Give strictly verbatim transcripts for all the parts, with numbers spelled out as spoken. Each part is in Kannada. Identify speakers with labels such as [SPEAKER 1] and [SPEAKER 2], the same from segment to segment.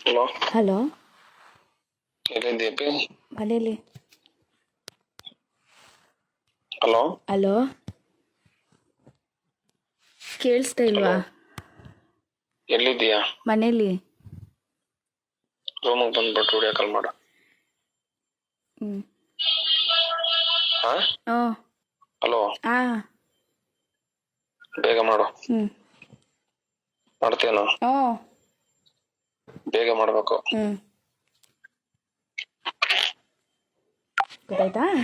[SPEAKER 1] Hello
[SPEAKER 2] hello,
[SPEAKER 1] ಎಲ್ಲಿದ್ದೀಯಪ್ಪಿ?
[SPEAKER 2] ಮನೇಲಿ.
[SPEAKER 1] ಹಲೋ
[SPEAKER 2] ಹಲೋ, ಕೇಳಿಸ್ತಾ
[SPEAKER 1] ಹಲೋ
[SPEAKER 2] ಇಲ್ವಾ?
[SPEAKER 1] ಎಲ್ಲಿದ್ದೀಯಾ?
[SPEAKER 2] ಮನೇಲಿ.
[SPEAKER 1] ರೂಮಿಗೆ ಬಂದ್ಬಿಟ್ಟು ವಿಡಿಯೋ ಕಾಲ್ ಮಾಡು.
[SPEAKER 2] ಹ್ಮ್
[SPEAKER 1] ಹಾ
[SPEAKER 2] ಓ
[SPEAKER 1] ಹಲೋ,
[SPEAKER 2] ಆ
[SPEAKER 1] ಬೇಗ ಮಾಡು.
[SPEAKER 2] ಹ್ಮ್
[SPEAKER 1] ಮಾಡ್ತೇನೋ?
[SPEAKER 2] ಓ
[SPEAKER 1] ಬೇಗ ಮಾಡ್ಬೇಕು.
[SPEAKER 2] ಹ್ಮ್ ಗೊತ್ತಾಯ್ತಾ?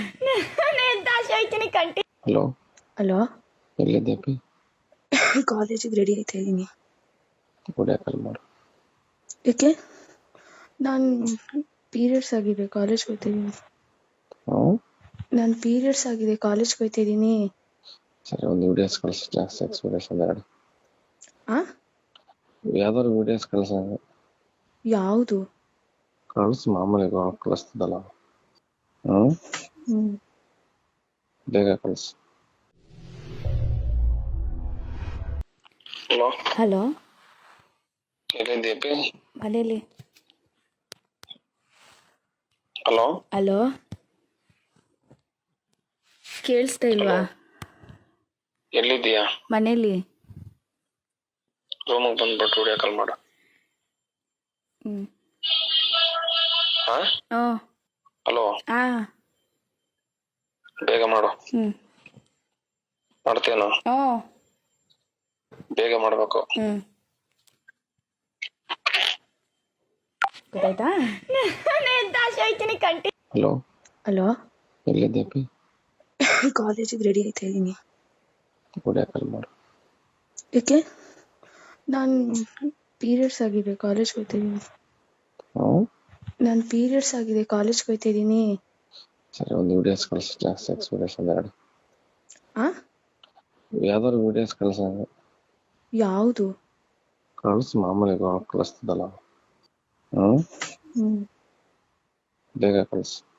[SPEAKER 1] ಹಲೋ
[SPEAKER 2] ಹಲೋ,
[SPEAKER 1] ಎಲ್ಲಿದ್ದೀಯಪ್ಪಿ?
[SPEAKER 2] ಕಾಲೇಜಿಗೆ ರೆಡಿ ಆಯ್ತಾ ಇದ್ದೀನಿ.
[SPEAKER 1] ವಿಡಿಯೋ ಕಾಲ್ ಮಾಡು.
[SPEAKER 2] ಏಕೆ? ನಾನು ಪೀರಿಯಡ್ಸ್ ಆಗಿದೆ, ಕಾಲೇಜ್ಗೆ ಹೋಗ್ತಾ ಇದ್ದೀನಿ.
[SPEAKER 1] ಹ್ಞೂ
[SPEAKER 2] ನಾನು ಪೀರಿಯಡ್ಸ್ ಆಗಿದೆ, ಕಾಲೇಜ್ಗೆ ಹೋಗ್ತಾ ಇದ್ದೀನಿ.
[SPEAKER 1] ಸರಿ, ಒಂದು ವಿಡಿಯೋಸ್ ಕಳಿಸಿ, ಜಾಸ್ತಿ ಎಕ್ಸ್ಪೀರಿಯನ್ಸ್ ಎರಡು
[SPEAKER 2] ಆ
[SPEAKER 1] ಯಾವ್ದಾದ್ರು ವಿಡಿಯೋಸ್ ಕಳಿಸ.
[SPEAKER 2] ಯಾವುದು?
[SPEAKER 1] ಕಳಿಸ್, ಮಾಮೂಲಿ ಕಳಿಸ್ತದಲ್ಲ. ಹ್ಞೂ
[SPEAKER 2] ಹ್ಮ್
[SPEAKER 1] ಬೇಗ ಕಳಿಸ್. Hello
[SPEAKER 2] hello,
[SPEAKER 1] ಎಲ್ಲಿದ್ದೀಯಪ್ಪಿ?
[SPEAKER 2] ಮನೇಲಿ.
[SPEAKER 1] ಹಲೋ
[SPEAKER 2] ಹಲೋ, ಕೇಳಿಸ್ತಾ ಇಲ್ವಾ?
[SPEAKER 1] ಎಲ್ಲಿದ್ದೀಯಾ?
[SPEAKER 2] ಮನೇಲಿ.
[SPEAKER 1] ರೂಮಿಗೆ ಬಂದ್ಬಿಟ್ಟು ವಿಡಿಯೋ ಕಾಲ್ ಮಾಡು.
[SPEAKER 2] ಹ್ಮ್
[SPEAKER 1] ಹಾ
[SPEAKER 2] ಓ
[SPEAKER 1] ಹಲೋ,
[SPEAKER 2] ಆ
[SPEAKER 1] ಬೇಗ ಮಾಡು.
[SPEAKER 2] ಹ್ಮ್
[SPEAKER 1] ಮಾಡ್ತೇನೋ?
[SPEAKER 2] ಓ
[SPEAKER 1] ಬೇಗ ಮಾಡ್ಬೇಕು.
[SPEAKER 2] ಹ್ಮ್ ಗೊತ್ತಾಯ್ತಾ?
[SPEAKER 1] ಹಲೋ
[SPEAKER 2] ಹಲೋ,
[SPEAKER 1] ಎಲ್ಲಿದ್ದೀಯಪ್ಪಿ?
[SPEAKER 2] ಕಾಲೇಜಿಗೆ ರೆಡಿ ಆಯ್ತಾ ಇದ್ದೀನಿ.
[SPEAKER 1] ವಿಡಿಯೋ ಕಾಲ್ ಮಾಡು.
[SPEAKER 2] ಏಕೆ? ನಾನು ಪೀರಿಯಡ್ಸ್ ಆಗಿದೆ, ಕಾಲೇಜ್ಗೆ ಹೋಗ್ತಾ ಇದ್ದೀನಿ.
[SPEAKER 1] ಹ್ಞೂ
[SPEAKER 2] ನಾನು ಪೀರಿಯಡ್ಸ್ ಆಗಿದೆ, ಕಾಲೇಜ್ಗೆ ಹೋಗ್ತಾ ಇದ್ದೀನಿ.
[SPEAKER 1] ಸರಿ, ಒಂದು ವಿಡಿಯೋಸ್ ಕಳಿಸಿ, ಜಾಸ್ತಿ ಎಕ್ಸ್ಪೀರಿಯನ್ಸ್ ಎರಡು
[SPEAKER 2] ಆ
[SPEAKER 1] ಯಾವ್ದಾದ್ರು ವಿಡಿಯೋಸ್ ಕಳಿಸ.
[SPEAKER 2] ಯಾವುದು?
[SPEAKER 1] ಕಳಿಸ್, ಮಾಮೂಲಿ ಕಳಿಸ್ತದಲ್ಲ. ಹ್ಞೂ
[SPEAKER 2] ಹ್ಮ್
[SPEAKER 1] ಬೇಗ ಕಳಿಸ್.